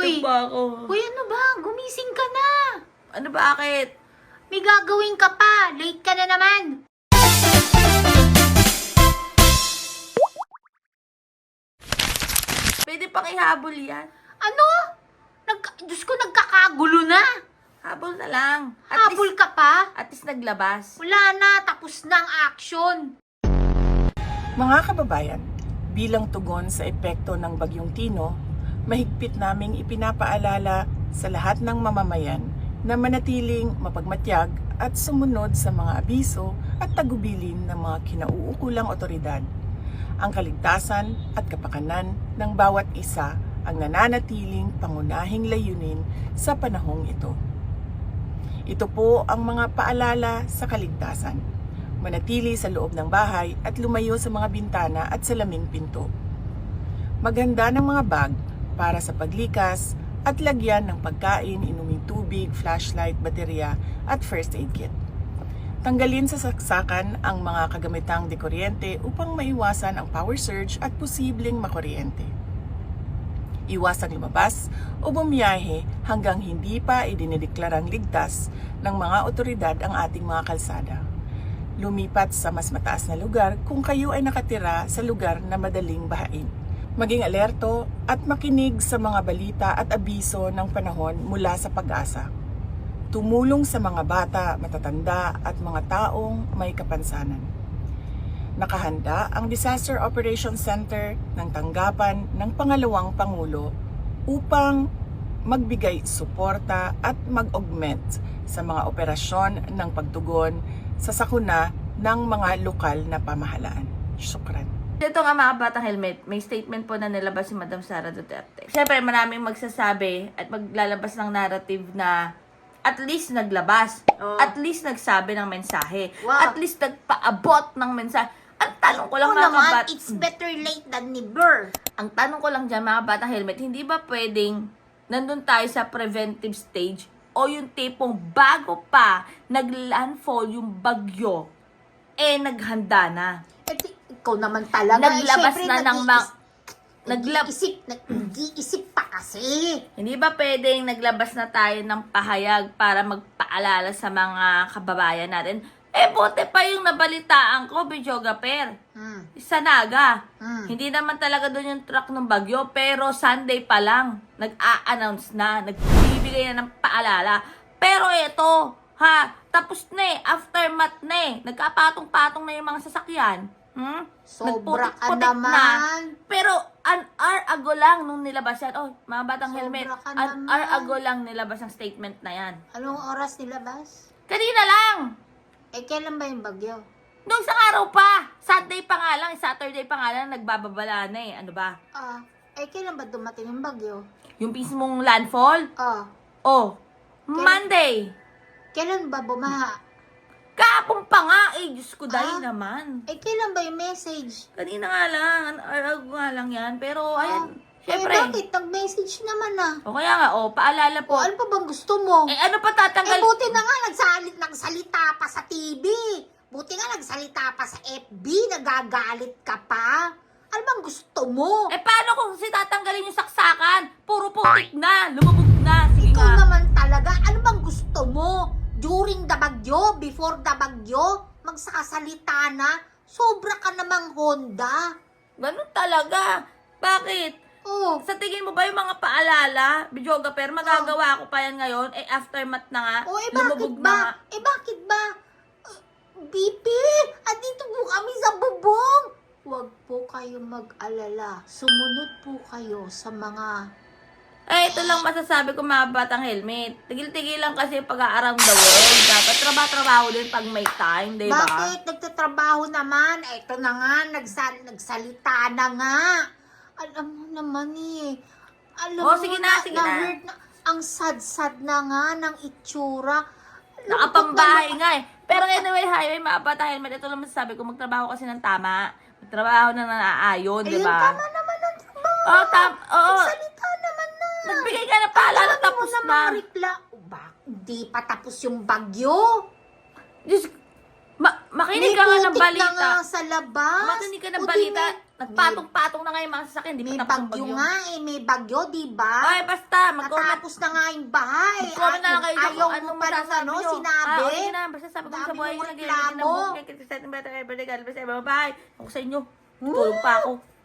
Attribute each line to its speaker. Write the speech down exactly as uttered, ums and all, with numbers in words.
Speaker 1: Natutulog ba ako?
Speaker 2: Uy, ano ba? Gumising ka na.
Speaker 1: Ano bakit?
Speaker 2: May gagawin ka pa. Late ka na naman.
Speaker 1: Pwede pang ihabol yan.
Speaker 2: Ano? Nag Diyos ko, nagkakagulo na.
Speaker 1: Habol na lang. At
Speaker 2: Habol
Speaker 1: least,
Speaker 2: ka pa?
Speaker 1: at least naglabas.
Speaker 2: Wala na. Tapos na ang action.
Speaker 3: Mga kababayan, bilang tugon sa epekto ng Bagyong Tino, mahigpit naming ipinapaalala sa lahat ng mamamayan na manatiling mapagmatyag at sumunod sa mga abiso at tagubilin ng mga kinauukulang otoridad. Ang kaligtasan at kapakanan ng bawat isa ang nananatiling pangunahing layunin sa panahong ito. Ito po ang mga paalala sa kaligtasan. Manatili sa loob ng bahay at lumayo sa mga bintana at salaming pinto. Maghanda ng mga bag para sa paglikas at lagyan ng pagkain, inuming tubig, flashlight, baterya at first aid kit. Tanggalin sa saksakan ang mga kagamitang dekuryente upang maiwasan ang power surge at posibleng makuryente. Iwasang lumabas o bumiyahe hanggang hindi pa idinideklarang ligtas ng mga otoridad ang ating mga kalsada. Lumipat sa mas mataas na lugar kung kayo ay nakatira sa lugar na madaling bahain. Maging alerto at makinig sa mga balita at abiso ng panahon mula sa Pag-asa. Tumulong sa mga bata, matatanda at mga taong may kapansanan. Nakahanda ang Disaster Operations Center ng tanggapan ng pangalawang Pangulo upang magbigay suporta at mag-augment sa mga operasyon ng pagtugon sa sakuna ng mga lokal na pamahalaan. Syukran.
Speaker 1: Ito nga mga batang helmet, may statement po na nilabas si Madam Sara Duterte. Siyempre maraming magsasabi at maglalabas ng narrative na at least naglabas,
Speaker 2: Oh.
Speaker 1: at least nagsabi ng mensahe,
Speaker 2: Wow.
Speaker 1: at least nagpaabot ng mensahe. Ang tanong ko lang
Speaker 2: Oo
Speaker 1: mga
Speaker 2: naman,
Speaker 1: kabat...
Speaker 2: it's better late than never.
Speaker 1: Ang tanong ko lang dyan mga batang helmet, hindi ba pwedeng nandun tayo sa preventive stage o yung tipong bago pa nag-landfall yung bagyo, eh naghanda na.
Speaker 2: Eh, di- ikaw naman talaga.
Speaker 1: Naglabas
Speaker 2: eh, syempre,
Speaker 1: na ng mga...
Speaker 2: Naglab...
Speaker 1: Naglab...
Speaker 2: Nag-iisip, nag-iisip pa kasi.
Speaker 1: Hindi ba pwedeng naglabas na tayo ng pahayag para magpaalala sa mga kababayan natin? Eh, bote pa yung nabalitaan ko, Bijogaper.
Speaker 2: Hmm.
Speaker 1: Sa Naga.
Speaker 2: Hmm.
Speaker 1: Hindi naman talaga doon yung truck ng bagyo, pero Sunday pa lang, nag-a-announce na, nagbibigay na ng paalala. Pero ito, ha, tapos na eh, aftermath na eh, nagkapatong-patong na yung mga sasakyan. Hmm?
Speaker 2: Sobra ka
Speaker 1: Nagputik-putik
Speaker 2: naman.
Speaker 1: Pero an hour ago lang nung nilabas yan. Oh, mga batang
Speaker 2: Sobra
Speaker 1: helmet.
Speaker 2: ka
Speaker 1: An
Speaker 2: naman.
Speaker 1: hour ago lang nilabas ang statement na yan.
Speaker 2: Anong oras nilabas?
Speaker 1: Kanina lang!
Speaker 2: Eh, kailan ba yung bagyo?
Speaker 1: Noong isang araw pa! Sunday pa nga lang, Saturday pa nga lang, nagbababala na eh. Ano ba?
Speaker 2: Ah, eh, kailan ba dumating yung bagyo?
Speaker 1: Yung mismong landfall?
Speaker 2: Ah,
Speaker 1: Oh, Monday!
Speaker 2: kailan ba bumaha?
Speaker 1: Kahapon pa nga eh, Diyos ko dahil
Speaker 2: Ah.
Speaker 1: naman.
Speaker 2: Eh, kailan ba yung message?
Speaker 1: Kanina nga lang, an hour ago nga lang yan. Pero ayan,
Speaker 2: Ah,
Speaker 1: syempre.
Speaker 2: Eh, bakit? Nag-message naman ah.
Speaker 1: O kaya nga, oh, paalala
Speaker 2: O,
Speaker 1: po.
Speaker 2: ano pa bang gusto mo?
Speaker 1: Eh ano pa tatanggal?
Speaker 2: Eh, buti na nga nagsalit, nagsalita pa sa T V. Buti nga nagsalita pa sa F B, nagagalit ka pa. Ano bang gusto mo?
Speaker 1: Eh, paano kung si tatanggalin yung saksakan? Puro putik na, lumubog na. Sige
Speaker 2: Ikaw
Speaker 1: nga.
Speaker 2: naman talaga, ano bang gusto mo? During the bagyo, before the bagyo, magsasalita na, sobra ka namang Honda.
Speaker 1: Ganun talaga. Bakit?
Speaker 2: Oh,
Speaker 1: Sa tingin mo ba yung mga paalala, Bijoga, pero magagawa ko pa yan ngayon, eh aftermath na nga,
Speaker 2: oh eh bakit
Speaker 1: lumubog na
Speaker 2: ba?
Speaker 1: nga.
Speaker 2: Eh bakit ba? Uh, B P, andito po kami sa bubong. Huwag po kayo mag-alala. Sumunod po kayo sa mga...
Speaker 1: Eh, ito lang masasabi ko mga batang helmet. Tigil-tigil lang kasi pag-around the world. Dapat trabaho-trabaho din pag may time, di ba?
Speaker 2: Bakit? Nagtatrabaho naman. Ito na nga, nagsal nagsalita na nga. Alam mo naman eh. Alam
Speaker 1: Oh,
Speaker 2: mo
Speaker 1: sige na, sige na.
Speaker 2: na-hurt na. Ang sad-sad na nga ng itsura.
Speaker 1: Nakapambahay nga eh. Pero anyway, highway, mga batang helmet, ito lang masasabi ko, magtrabaho kasi ng tama. Magtrabaho na naaayon, di
Speaker 2: Ayun,
Speaker 1: ba?
Speaker 2: tama naman ang trabaho.
Speaker 1: Oh, tam, oo.
Speaker 2: Salita naman na.
Speaker 1: Nagbigay ka ng paalala,
Speaker 2: Ang dami
Speaker 1: tapos
Speaker 2: mo
Speaker 1: na.
Speaker 2: namang repla. O ba, hindi pa tapos yung bagyo.
Speaker 1: Diyos, ma makinig ka nga ng
Speaker 2: May putik
Speaker 1: balita.
Speaker 2: na nga sa labas.
Speaker 1: Makinig ka ng
Speaker 2: O di
Speaker 1: balita.
Speaker 2: may-
Speaker 1: Nagpatong-patong na nga yung mga sasakyan. Di
Speaker 2: May
Speaker 1: pa tapos ang
Speaker 2: bagyo
Speaker 1: bagyo.
Speaker 2: nga eh, may bagyo, di ba?
Speaker 1: Ay, basta. Mag-comment.
Speaker 2: Natapos na nga yung bahay.
Speaker 1: Mag-comment na lang kayo dyan
Speaker 2: Ayaw
Speaker 1: kung
Speaker 2: mo
Speaker 1: anong
Speaker 2: pa rin
Speaker 1: masasabi
Speaker 2: ano,
Speaker 1: nyo.
Speaker 2: sinabi.
Speaker 1: Ah, okay na. Basta sabi ko
Speaker 2: Dami
Speaker 1: sa buhay
Speaker 2: mong
Speaker 1: nyo.
Speaker 2: reklamo.
Speaker 1: Nag-i-edit ng book. Kaya sa inyo. Tulog pa ako. Tulog pa ako.